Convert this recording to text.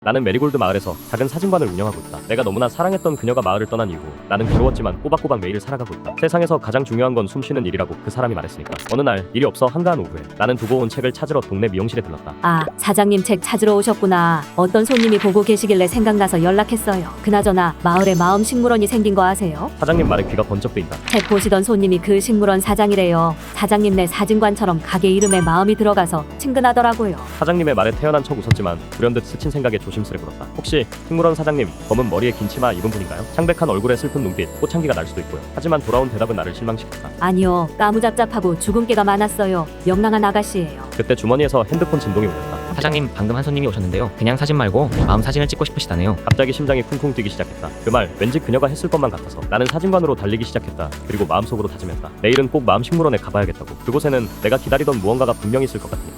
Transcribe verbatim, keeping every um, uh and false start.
나는 메리골드 마을에서 작은 사진관을 운영하고 있다. 내가 너무나 사랑했던 그녀가 마을을 떠난 이후 나는 괴로웠지만 꼬박꼬박 매일을 살아가고 있다. 세상에서 가장 중요한 건 숨쉬는 일이라고 그 사람이 말했으니까. 어느 날 일이 없어 한가한 오후에 나는 두고 온 책을 찾으러 동네 미용실에 들렀다. 아, 사장님 책 찾으러 오셨구나. 어떤 손님이 보고 계시길래 생각나서 연락했어요. 그나저나 마을에 마음 식물원이 생긴 거 아세요? 사장님 말에 귀가 번쩍 뜨인다. 책 보시던 손님이 그 식물원 사장이래요. 사장님네 사진관처럼 가게 이름에 마음이 들어가서 친근하더라고요. 사장님의 말에 태어난 척 웃었지만 불현듯 스친 생각에 조심스레 물었다. 혹시 식물원 사장님 검은 머리에 긴 치마 입은 분인가요? 창백한 얼굴에 슬픈 눈빛, 꽃향기가 날 수도 있고요. 하지만 돌아온 대답은 나를 실망시켰다. 아니요, 까무잡잡하고 주근깨가 많았어요. 명랑한 아가씨예요. 그때 주머니에서 핸드폰 진동이 울렸다. 사장님, 방금 한 손님이 오셨는데요. 그냥 사진 말고 마음 사진을 찍고 싶으시다네요. 갑자기 심장이 쿵쿵 뛰기 시작했다. 그 말 왠지 그녀가 했을 것만 같아서 나는 사진관으로 달리기 시작했다. 그리고 마음속으로 다짐했다. 내일은 꼭 마음 식물원에 가봐야겠다고. 그곳에는 내가 기다리던 무언가가 분명히 있을 것 같으니.